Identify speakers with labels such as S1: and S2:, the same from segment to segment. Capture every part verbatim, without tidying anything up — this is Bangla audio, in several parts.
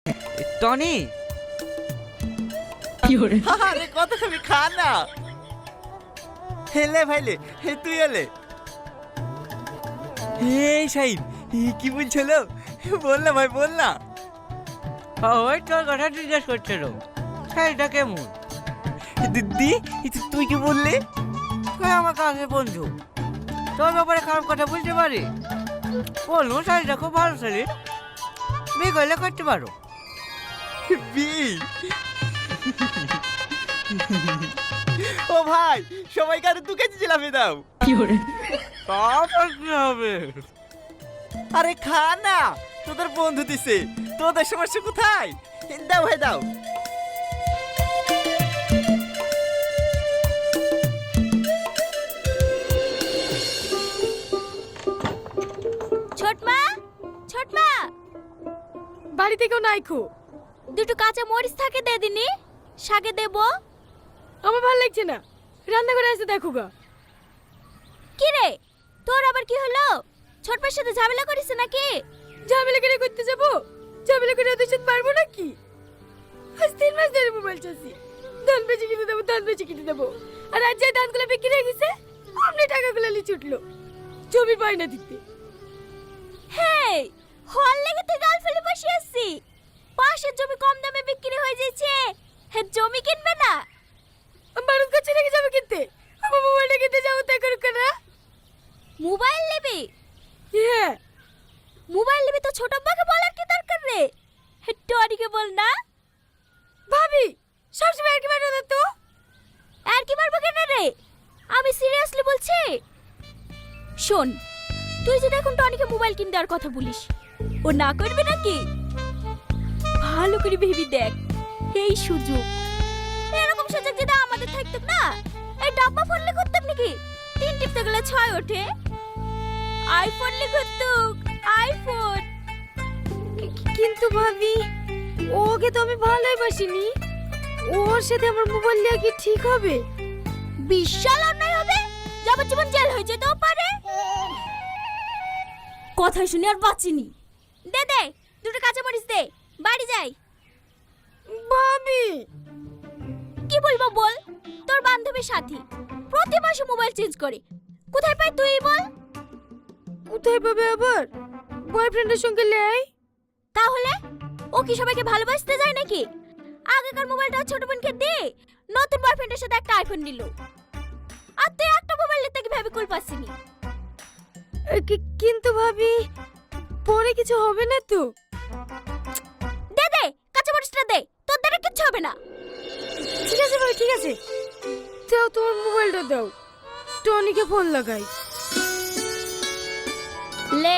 S1: টনি
S2: আরে কত খাবি, খা না। হেলে ভাইলে, হে তুই এলে। এই শাহিন, কি বলছিল? বল না ভাই, বল না।
S1: ওই তোর কথা জিজ্ঞেস করছিল, শাড়িটা কেমন?
S2: দিদি, তুই কি বললি?
S1: তুই আমার কাছে বন্ধু, তোর ব্যাপারে খারাপ কথা বলতে পারি? বলুন শাড়িটা খুব ভালো শাড়ি, বিয়ে করলে করতে পারো।
S2: বি ও ভাই, সবাইকে আরো দু কেজি জিলাপি দাও।
S1: তারপর কি হবে?
S2: আরে খা না, তোদের বন্ধু দিছে, তোদের সমস্যা কোথায়? দাও ভাই দাও।
S3: ছোটমা, ছোটমা,
S4: বাড়িতে কেউ নাই খো।
S3: দুটো কাঁচা মরিচ থাকে দে দিনি, শাকে দেবো।
S4: আমার ভালো লাগছে না, রান্না করে এসে দেখো গা।
S3: কি রে, তোর আবার কি হলো? ছোটমার সাথে ঝামেলা করিস নাকি?
S4: ঝামেলা করে করতে যাবো? ঝামেলা করে ওদের সাথে পারবো নাকি? আজ তিন মাস ধরে মোবাইল চাচ্ছি, ধান বেচে কিনে দেবো, ধান বেচে কিনে দেবো। আর আজ যে ধানগুলো বিক্রি হয়ে গেছে, অমনি টাকাগুলো লিচে উঠলো জমি পাই না দিতে।
S3: হেই, হল লেগে তুই গাল ফেলে বসে আছিস। পাশের জমি কম দামে বিক্রি হয়ে যাচ্ছে, হে জমি কিনবে না?
S4: মানুষ কাছে রেখে যাবে কিনতে, আমার মোবাইলটা কিনতে যাবো তাই করুক না।
S3: মোবাইল নেবে?
S4: হ্যাঁ,
S3: মোবাইল নেবে তো ছোট আব্বাকে বলার কি দরকার রে? হে টনিকে বল না।
S4: ভাবি সবসময় আর কি মারো না তো।
S3: আর কি মারবো কেন রে? আমি সিরিয়াসলি বলছি। শোন, তুই যদি এখন টনিকে মোবাইল কিনে দেওয়ার কথা বলিস, ও না করবে নাকি? ভালো করে ভেবে দেখ, এই সুযোগ, এরকম সুযোগ যদি আমাদের থাকতো না, এই ডাব্বা ফোনলে করতাম নাকি? তিন টিপতে গেলে ছয় ওঠে। আইফোন লে করতুক, আইফোন।
S4: কিন্তু ভাবি, ওকে তো আমি ভালোই বাসিনি, ওর সাথে আমার মোবাইল নিয়ে কি ঠিক হবে?
S3: বিশাল অন্যায় হবে, যাবজ্জীবন জেল হয়ে যেতেও পারে। কথা শুনে আর বাঁচিনি। দে দে, দুটো কাঁচা মরিচ দে, বাড়ি যাই।
S4: ভাবি
S3: কি বলবো বল? তোর বান্ধবীর সাথী প্রতি মাসে মোবাইল চেঞ্জ করে, কোথায় পাই তুই বল?
S4: কোথায় পাবে আবার? বয়ফ্রেন্ডের সঙ্গে লেই।
S3: তাহলে ও কি সবাইকে ভালোবাসতে যায় নাকি? আগেকার মোবাইলটা ছোট বোনকে দে, নতুন বয়ফ্রেন্ডের সাথে একটা আইফোন নিল, আর তুই একটা মোবাইল নিতে কিভাবে কুল পাসনি?
S4: কিন্তু ভাবি, পরে কিছু হবে না তো?
S3: দে দে, কাঁচা মরিচটা দে, তোর দ্বারা কিচ্ছু হবে না।
S4: ঠিক আছে ভাই, ঠিক আছে, দাও তোমার মোবাইলটা দাও, টনিকে ফোন লাগাই।
S3: লে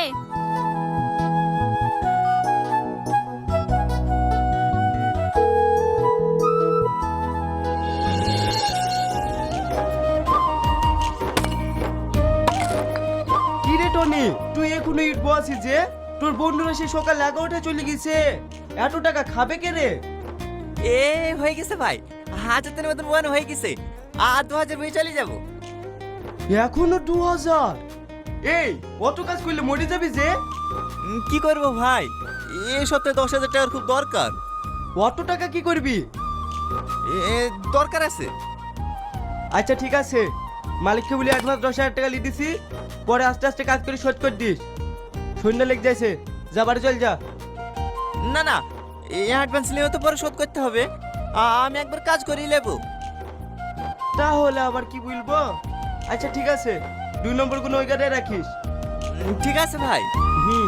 S5: কি রে টনি, তুই এখনো ইট বসি যে? তোর বন্ধুরা সে সকাল এগারোটায় চলে গেছে, এত টাকা খাবে কে রে?
S2: এ হয়ে গেছে ভাই, হাজার মতন ওয়ান হয়ে গেছে, আর দু হাজার বই চলে যাবো।
S5: এখনো দু হাজার? এই অত কাজ করলে মরে যাবি যে।
S2: উম, কি করবো ভাই, এ সপ্তাহে দশ হাজার টাকার খুব দরকার।
S5: অত টাকা কি করবি?
S2: এ দরকার আছে।
S5: আচ্ছা ঠিক আছে, মালিককে বলি অ্যাডভান্স দশ হাজার টাকা লিয়ে দিছি, পরে আস্তে আস্তে কাজ করে শোধ করে দিস। সন্ধ্যা লেগে যাইছে, যা বাড়ি চল যা।
S2: না না, এই অ্যাডভান্স নিয়েও তো পরে শোধ করতে হবে, আ- আমি একবার কাজ করেই নেবো।
S5: তাহলে আবার কি বলবো? আচ্ছা ঠিক আছে, দুই নম্বর কোনো ওই গাড়ি রাখিস।
S2: উম, ঠিক আছে ভাই।
S5: হুম।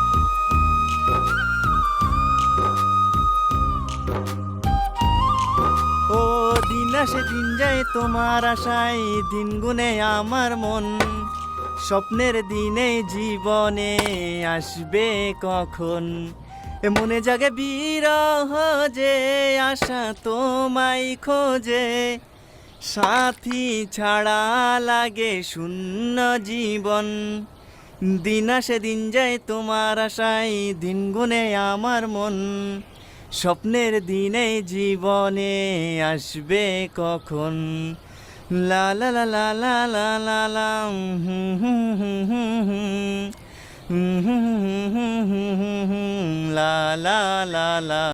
S2: ও দিন আসে দিন যায় তোমার আশায়, দিন গুনে আমার মন, স্বপ্নের দিনে জীবনে আসবে কখন? এ মনে জাগে বিরহ যে আশা তোমায় খোঁজে, সাথী ছাড়া লাগে শূন্য জীবন। দিন আসে দিন যায় তোমার আশায়, দিন গুনে আমার মন, স্বপ্নের দিনে জীবনে আসবে কখন? লা লা লা লা লা লা লা লা হুম হুম হুম হুম হুম লা লা লা লা